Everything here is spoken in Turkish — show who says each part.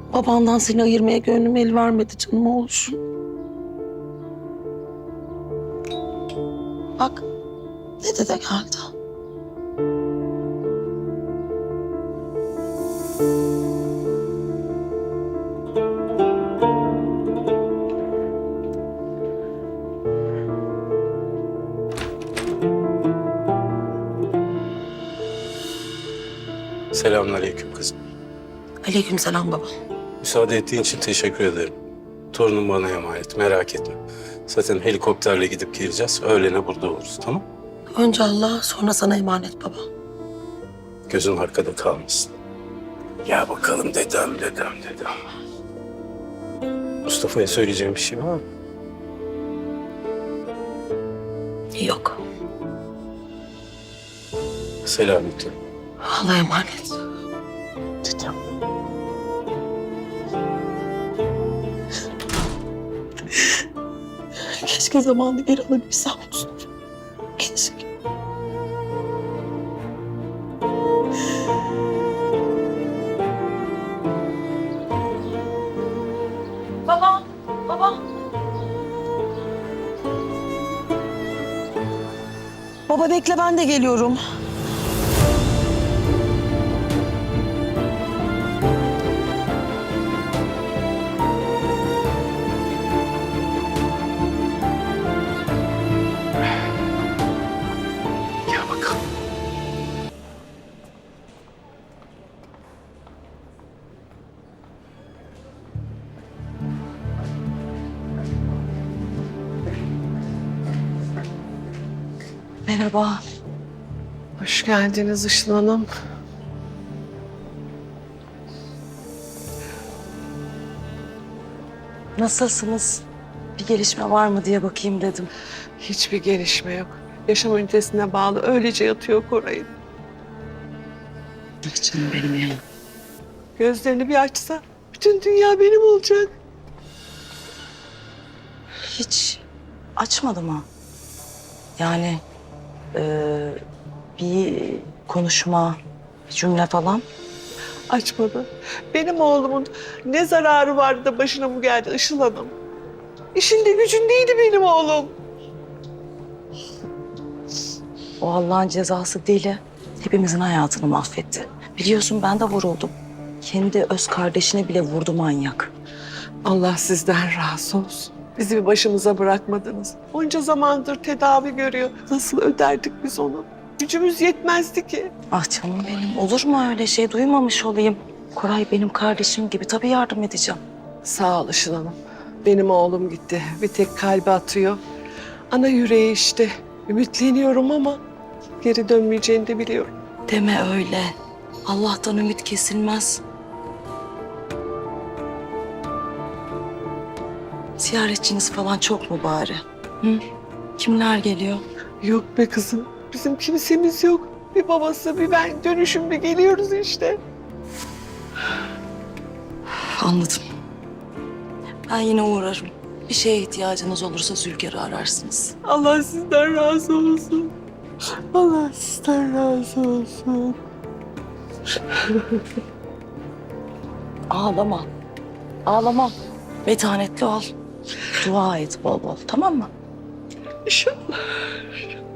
Speaker 1: Babandan seni ayırmaya gönlüm el vermedi canım oğlum. Bak, dede de geldi.
Speaker 2: Selamünaleyküm kızım.
Speaker 1: Aleykümselam baba.
Speaker 2: Müsaade ettiğin için teşekkür ederim. Torunum bana emanet, merak etme. Zaten helikopterle gidip geleceğiz. Öğlene burada oluruz, tamam?
Speaker 1: Önce Allah, sonra sana emanet baba.
Speaker 2: Gözün arkada kalmasın. Ya bakalım dedem. Mustafa'ya söyleyeceğim bir şey var mı?
Speaker 1: Yok.
Speaker 2: Selametle.
Speaker 1: Allah'a emanet. Dedem. Keşke zamanı geri alabilsem Mustafa. Keşke. Baba, baba. Baba bekle, ben de geliyorum.
Speaker 2: Gel bakalım.
Speaker 1: Merhaba.
Speaker 3: Hoş geldiniz Işıl Hanım.
Speaker 1: Nasılsınız? Bir gelişme var mı diye bakayım dedim.
Speaker 3: Hiçbir gelişme yok. Yaşam ünitesine bağlı öylece yatıyor Koray'ın.
Speaker 1: Ah canım benim ya.
Speaker 3: Gözlerini bir açsa bütün dünya benim olacak.
Speaker 1: Hiç açmadı mı? Yani bir konuşma, bir cümle falan.
Speaker 3: Açmadı. Benim oğlumun ne zararı vardı da başına bu geldi Işıl Hanım? İşinde gücündeydi benim oğlum.
Speaker 1: O Allah'ın cezası deli. Hepimizin hayatını mahvetti. Biliyorsun ben de vuruldum. Kendi öz kardeşine bile vurdu manyak.
Speaker 3: Allah sizden razı olsun. Bizi bir başımıza bırakmadınız. Onca zamandır tedavi görüyor. Nasıl öderdik biz onu? Gücümüz yetmezdi ki.
Speaker 1: Ah canım benim, olur mu öyle şey? Duymamış olayım. Koray benim kardeşim gibi, tabii yardım edeceğim.
Speaker 3: Sağ ol Işıl Hanım. Benim oğlum gitti. Bir tek kalbi atıyor. Ana yüreği işte. Ümitleniyorum ama geri dönmeyeceğini de biliyorum.
Speaker 1: Deme öyle. Allah'tan ümit kesilmez. Ziyaretçiniz falan çok mu bari? Hı? Kimler geliyor?
Speaker 3: Yok be kızım. Bizim kimsemiz yok. Bir babası bir ben dönüşümlü geliyoruz işte.
Speaker 1: Anladım. Ben yine uğrarım. Bir şeye ihtiyacınız olursa Zülker'i ararsınız.
Speaker 3: Allah sizden razı olsun. Allah sizden razı olsun.
Speaker 1: Ağlama. Ağlama. Metanetli ol. Dua et bol bol, tamam mı?
Speaker 3: İnşallah.